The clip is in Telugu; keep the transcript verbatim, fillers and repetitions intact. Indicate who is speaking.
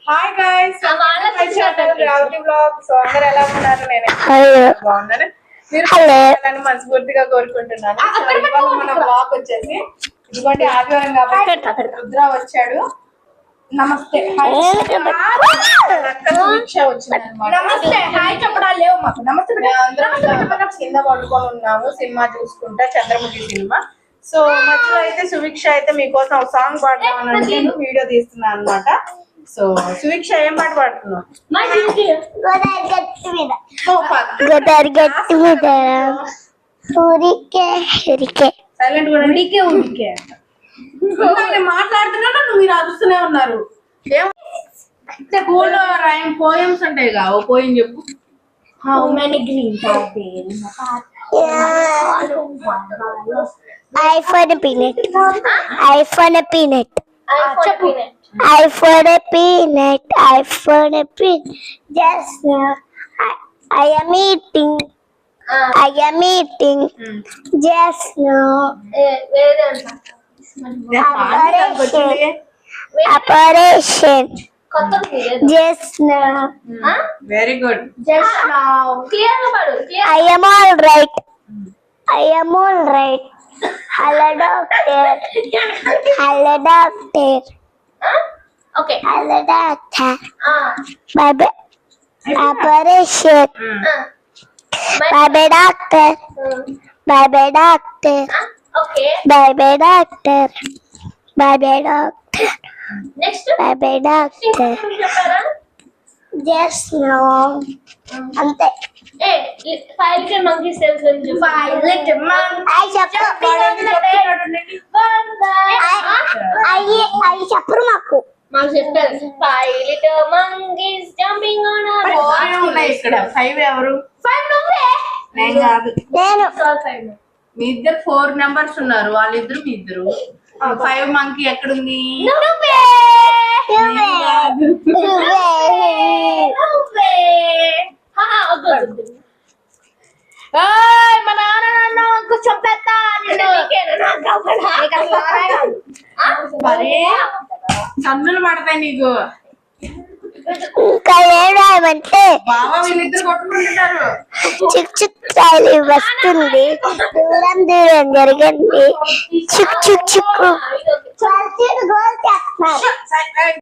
Speaker 1: Hi guys, my channel Ravathi vlog. So అందరూ ఎలా ఉన్నారు? నేను బాగున్నాను. మీరు నన్ను మనస్ఫూర్తిగా కోరుకుంటున్నాను. సో ఇవాళ మన వ్లాగ్ వచ్చేసి ఇదిగోండి ఆదివారం కాబట్టి రుద్ర వచ్చాడు. నమస్తే నమస్తే హాయ్ చెప్పడాలు లేవు మాకు. నమస్తే అందరం కింద పడుకొని ఉన్నాము సినిమా చూసుకుంటా, చంద్రముఖి సినిమా. సో మధ్యలో అయితే సువీక్ష అయితే మీకోసం ఒక సాంగ్ పాడదామని నేను వీడియో తీస్తున్నాను అనమాట. సో సువీక్ష ఏం పాట పాడుతున్నావు? సైలెంట్ కూడా ఉడికే ఉడికే మాట్లాడుతున్నా నువ్వు మీరు అరుస్తూనే ఉన్నారు. స్కూల్లో రైమ్ పోయమ్స్ ఉంటాయి కా, ఓ పోయం చెప్పు.
Speaker 2: How many green apples? I for a peanut. I for a peanut. I for a peanut. I for a peanut. I for a peanut. Just now, I, I am eating. Uh, I am eating. Mm. Just now. Operation. Operation. Just now.
Speaker 1: Huh? Very good.
Speaker 2: Just now. Clear Clear. I am all right. I am all right. Hello doctor. Hello doctor. Huh? Okay. Hello doctor. Ah. Bye bye. Operation. Uh. Bye bye doctor. Uh. Bye bye doctor. Uh. Okay. Bye bye doctor. Bye bye doctor. Next. Bye bye doctor. Just no. Ante. Hey, five little monkeys tells them to five little monkeys. I jumping on the bed. One by I I చెప్పరు మాకు. మాకు చెప్పారు. Five little monkeys jumping on a bed.
Speaker 1: Four ఉన్నాయి ఇక్కడ. ఫైవ్ ఎవరు?
Speaker 2: ఫైవ్ నువ్వే.
Speaker 1: నేను కాదు.
Speaker 2: నేను.
Speaker 1: మీ ఇద్దరు ఫోర్ నెంబర్స్ ఉన్నారు. వాళ్ళిద్దరు మీ ఇద్దరు. ఫైవ్ మంకీ ఎక్కడుంది?
Speaker 2: నువ్వే. నువ్వే. నువ్వే. నువ్వే. హా వద్దు వద్దు. ఏయ్ మా నాన్న నన్ను కొంచెం పెద్ద నిన్ను నీకేనా కావడా నీకు అసలు
Speaker 1: మరి కన్నులు పడతాయి నీకు.
Speaker 2: ఇంకా ఏమంటే
Speaker 1: బావా వీళ్ళిద్దరు కొట్టుకుంటున్నారు.
Speaker 2: చిక్ చిక్ రాయలు వస్తుంది, దూరం దూరం జరగండి చిక్ చిక్ చిక్కు.